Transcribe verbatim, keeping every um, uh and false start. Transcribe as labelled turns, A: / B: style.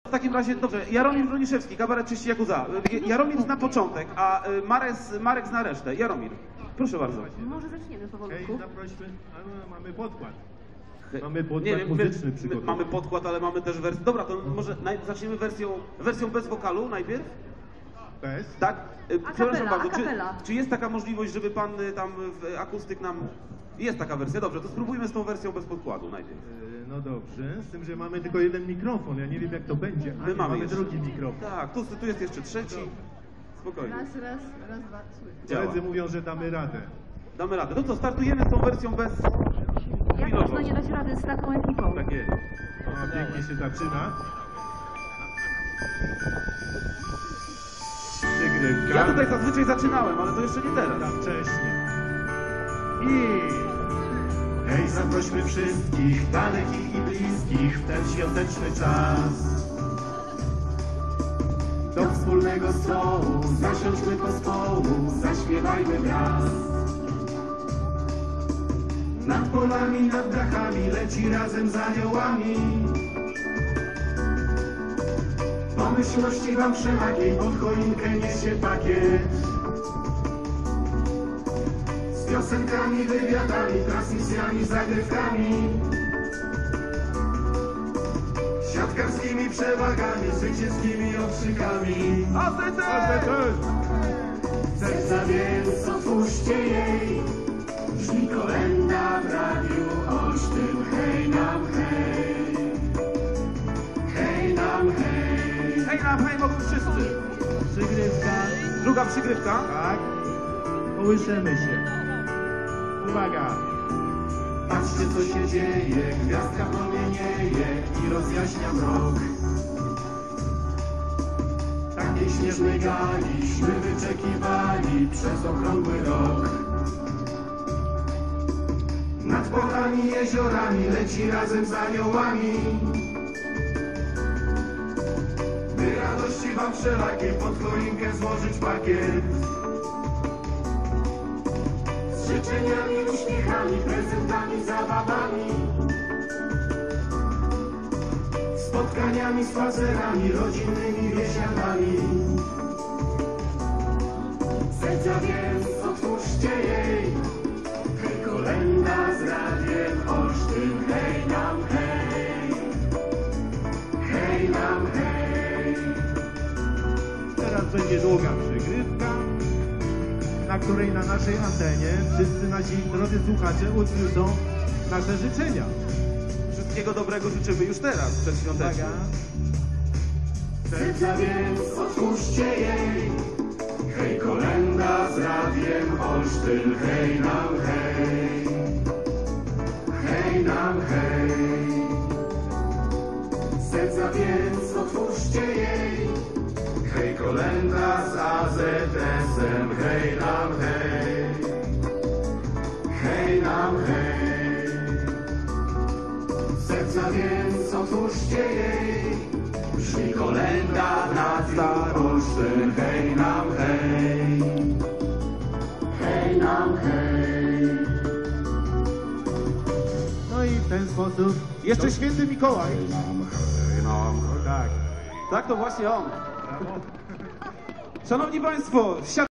A: W takim razie, dobrze, Jaromir Broniszewski, kabaret Czyści Jakuza. Jaromir na początek, a Marek, Marek zna resztę. Jaromir, proszę bardzo.
B: Może zaczniemy powolutku.
C: Hej, zaprośmy, a, mamy podkład. Mamy podkład
A: nie wiem,
C: muzyczny
A: my,
C: przygotowany.
A: Mamy podkład, ale mamy też wersję. Dobra, to może naj, zaczniemy wersją, wersją bez wokalu najpierw?
C: Bez?
A: Tak?
B: A
A: Przepraszam
B: capella,
A: bardzo,
B: a
A: czy,
B: capella.
A: czy jest taka możliwość, żeby pan y, tam w akustyk nam... Jest taka wersja, dobrze, to spróbujmy z tą wersją bez podkładu najpierw.
C: Yy, No dobrze, z tym, że mamy tylko jeden mikrofon, ja nie wiem jak to będzie. A
A: My
C: nie,
A: mamy
C: mamy
A: jeszcze.
C: drugi mikrofon.
A: Tak, tu, tu jest jeszcze trzeci. Spokojnie.
B: Raz, raz, raz, dwa, trzy.
A: Działa.
C: Koledzy mówią, że damy radę.
A: Damy radę. No to startujemy z tą wersją bez...
B: Jak
A: chwilowo.
B: można nie dać rady z taką ekipą?
A: Tak jest.
C: O, pięknie się zaczyna. Przygrywka.
A: Ja tutaj zazwyczaj zaczynałem, ale to jeszcze nie teraz.
C: Za wcześnie. I...
D: Hej, zaprośmy wszystkich, dalekich i bliskich, w ten świąteczny czas. Do wspólnego stołu, zasiądźmy pospołu, zaśpiewajmy wraz. Nad polami, nad dachami, leci razem z aniołami. Pomyślności wam wszelakiej, pod choinkę niesie pakiet. Z piosenkami, wywiadami, transmisjami, zagrywkami, siatkarskimi przewagami, zwycięskimi okrzykami.
A: A ty też!
D: Serca więc otwórzcie jej, brzmi kolenda w radiu Olsztyn. Hej nam hej, hej nam hej.
A: Hej nam, hej, mogą wszyscy.
C: Przygrywka.
A: Druga przygrywka.
C: Tak. Kołyszemy się. Uwaga.
D: Patrzcie co się dzieje, gwiazdka promienieje i rozjaśnia mrok. Takiej śnieżnej galiśmy wyczekiwali przez okrągły rok. Nad polami, jeziorami leci razem z aniołami. By radości wam wszelakiej pod choinkę złożyć pakiet. Z życzeniami, uśmiechami, prezentami, zabawami, spotkaniami, spacerami, rodzinnymi wiesiadami. Serca więc otwórzcie jej, hej kolenda z radiem Olsztyn. Hej nam hej, hej nam hej.
C: Teraz będzie długa przygrywka, na której na naszej antenie wszyscy nasi drodzy słuchacze usłyszą nasze życzenia.
A: Wszystkiego dobrego życzymy już teraz, przedświątecznie.
C: Uwaga.
D: Serca więc otwórzcie jej, hej kolenda z radiem Olsztyn. Hej nam hej, hej nam hej. Serca więc otwórzcie jej, hej kolenda z A Z S-em. Hej nam hej, hej nam hej. Serca więc otwórzcie jej, brzmi kolenda nad Olsztyn. Hej nam hej, hej nam hej.
C: No i w ten sposób jeszcze święty Mikołaj. Tak.
A: Tak, to właśnie on.
C: Brawo.
A: Szanowni Państwo,